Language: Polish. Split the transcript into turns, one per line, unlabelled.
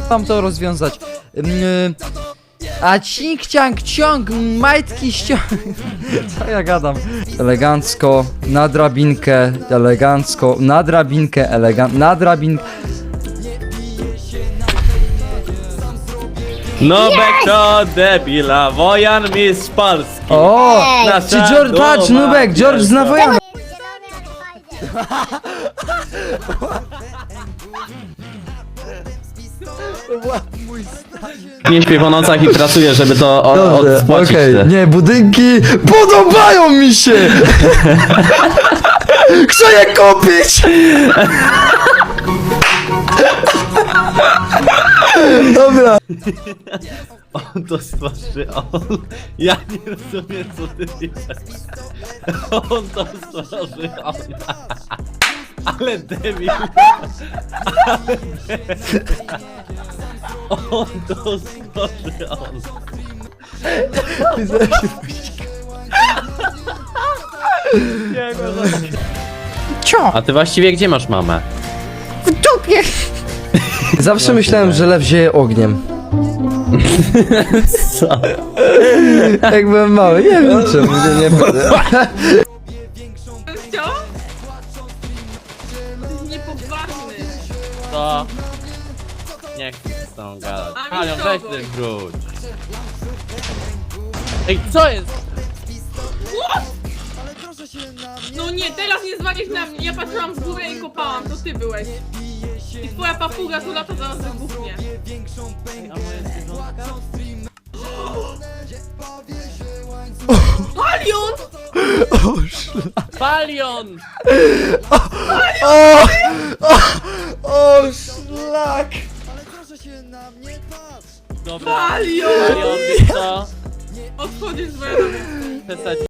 mam to rozwiązać. A cink, ciang, ciąg, majtki, ściąg. Co ja gadam? Elegancko, na drabinkę, elegancko, na drabinkę, na drabinkę.
Nubek to debila, Wojan mistrz Polski.
O!
Nasza
Czy George, patrz,
duma
Nubek, George zna
wielka.
Wojana.
Nie śpię po nocach i pracuję, żeby to odspłacić.
Okej, nie, budynki podobają mi się! Chcę je kupić! Dobra.
On to stworzy, on... Ja nie rozumiem, co ty piszesz. On to stworzy, on... Ale debil. Ale debil. On to stworzy, on. Nie,
Cio!
A ty właściwie gdzie masz mamę?
W dupie! Zawsze myślałem, że lew zieje ogniem.
Co?
Jak byłem mały, nie wiem czemu, nie będę.
Co? Niepoważny.
Co? Nie chcę z tą gadać.
A
Halion,
mi
weź
kogoś.
ten wróć. Ej, co jest?
No nie, teraz nie zwalisz na mnie. Ja patrzyłam w górę i kopałam, to ty byłeś. I twoja papuga tu lata zaraz wybuchnie.
A moje zwierzątka?
Palion!
Palion!
O, szlak!
Dobra.
Palion!
Palion, wiesz co?
Odchodzisz z mojego.
Przestać